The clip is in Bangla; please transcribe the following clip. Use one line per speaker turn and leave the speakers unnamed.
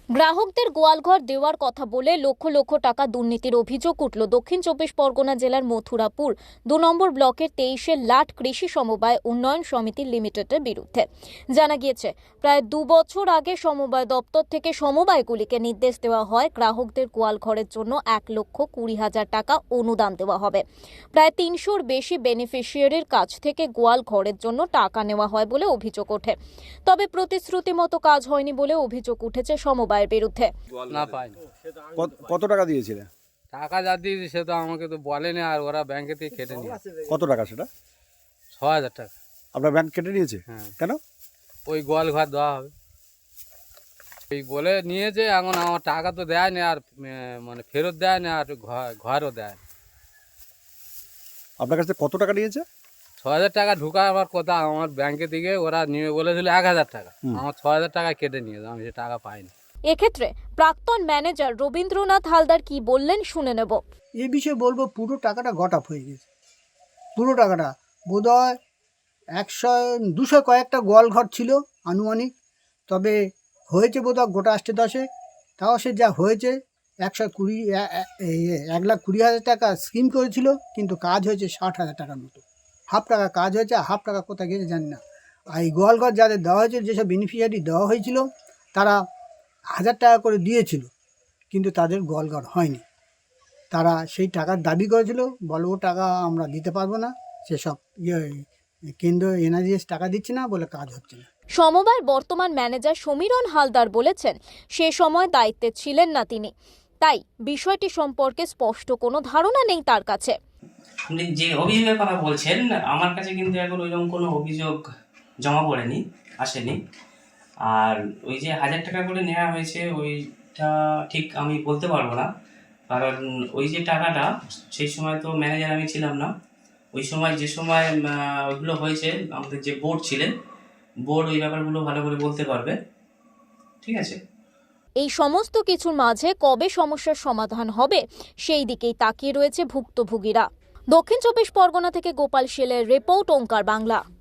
গ্রাহকদের গোয়ালঘর দেওয়ার কথা বলে লক্ষ লক্ষ টাকা দুর্নীতির অভিযোগ উঠল দক্ষিণ চব্বিশ পরগনা জেলার মথুরাপুর ২ নম্বর ব্লকের ২৩ লাট কৃষি সমবায় উন্নয়ন সমিতি লিমিটেডের বিরুদ্ধে। জানা গিয়েছে, প্রায় ২ বছর আগে সমবায় দপ্তর থেকে সমবায়গুলিকে নির্দেশ দেওয়া হয় গ্রাহকদের গোয়ালঘরের জন্য ১,২০,০০০ টাকা অনুদান দেওয়া হবে। প্রায় ৩০০-র বেশি বেনিফিশিয়ারির কাছ থেকে গোয়ালঘরের জন্য টাকা নেওয়া হয় বলে অভিযোগ ওঠে। তবে প্রতিশ্রুতি মতো কাজ হয়নি বলে অভিযোগ উঠেছে সমবায় বিরুদ্ধে।
না পাইনি।
কত টাকা দিয়েছিলে?
টাকা যা দিয়েছি সে তো আমাকে তো বলেনি, আর ওরা ব্যাংকে থেকে কেটে নিয়ে
কত টাকা সেটা?
৬,০০০ টাকা।
আপনার ব্যাংক কেটে নিয়েছে?
হ্যাঁ।
কেন?
ওই গোয়াল ঘর দেওয়া হবে এই বলে নিয়েছে। এখন আমার টাকা তো দেয়নি, আর মানে ফেরত দেয়নি, আর ঘরও দেয়।
আপনার কাছে কত টাকা নিয়েছে?
৬,০০০ টাকা ঢুকাবার কথা আমার ব্যাংকে থেকে, ওরা নিয়ে বলেছিল ১,০০০ টাকা। আমার ৬,০০০ টাকা কেটে নিয়েছে, আমি সে টাকা পাইনি।
এক্ষেত্রে প্রাক্তন ম্যানেজার রবীন্দ্রনাথ হালদার কি বললেন শুনে নেব।
এই বিষয়ে বলবো, পুরো টাকাটা গট আপ হয়ে গেছে। পুরো টাকাটা বোধহয় ১০০-২০০ কয়েকটা গোয়ালঘর ছিল আনুমানিক, তবে হয়েছে বোধহয় গোটা ৮-১০। তাও সে যা হয়েছে ১,২০,০০০ টাকা স্কিম করেছিল, কিন্তু কাজ হয়েছে ৬০,০০০ টাকার মতো। হাফ টাকা কাজ হয়েছে, হাফ টাকা কোথায় গেছে জানি না। আর এই গোয়ালঘর যাদের দেওয়া হয়েছিল, যেসব বেনিফিশিয়ারি দেওয়া হয়েছিল, তারা ১,০০০ টাকা করে দিয়েছিল, কিন্তু তাদের গোয়ালঘর হয়নি। তারা সেই টাকার দাবি করেছিল, বলবো টাকা আমরা দিতে পারবো না, সেসব কেন্দ্র এনআরজিএস টাকা দিচ্ছে না বলে কাজ হচ্ছে না।
সমবায়ের বর্তমান ম্যানেজার সমীরণ হালদার বলেছেন, সে সময় দায়িত্বে ছিলেন না তিনি, তাই বিষয়টি সম্পর্কে স্পষ্ট কোনো ধারণা নেই তার কাছে।
আপনি যে অভিযোগের কথা বলছেন, আমার কাছে কিন্তু এখন ওইরকম কোনো অভিযোগ জমা পড়েনি, আসেনি। আর ওই যে ১,০০০ টাকা করে নেওয়া হয়েছে, ওইটা ঠিক আমি বলতে পারবো না, কারণ ওই যে টাকাটা সেই সময় তো ম্যানেজার আমি ছিলাম না। ওই সময় যে সময় ওইগুলো হয়েছে, আমাদের যে বোর্ড ছিলেন, বোর্ড ওই ব্যাপারগুলো ভালো করে বলতে পারবে। ঠিক আছে।
এই সমস্ত কিছুর মাঝে কবে সমস্যার সমাধান হবে সেই দিকেই তাকিয়ে রয়েছে ভুক্তভোগীরা। দক্ষিণ চব্বিশ পরগনা থেকে গোপাল শেলের রিপোর্ট, ওঙ্কার বাংলা।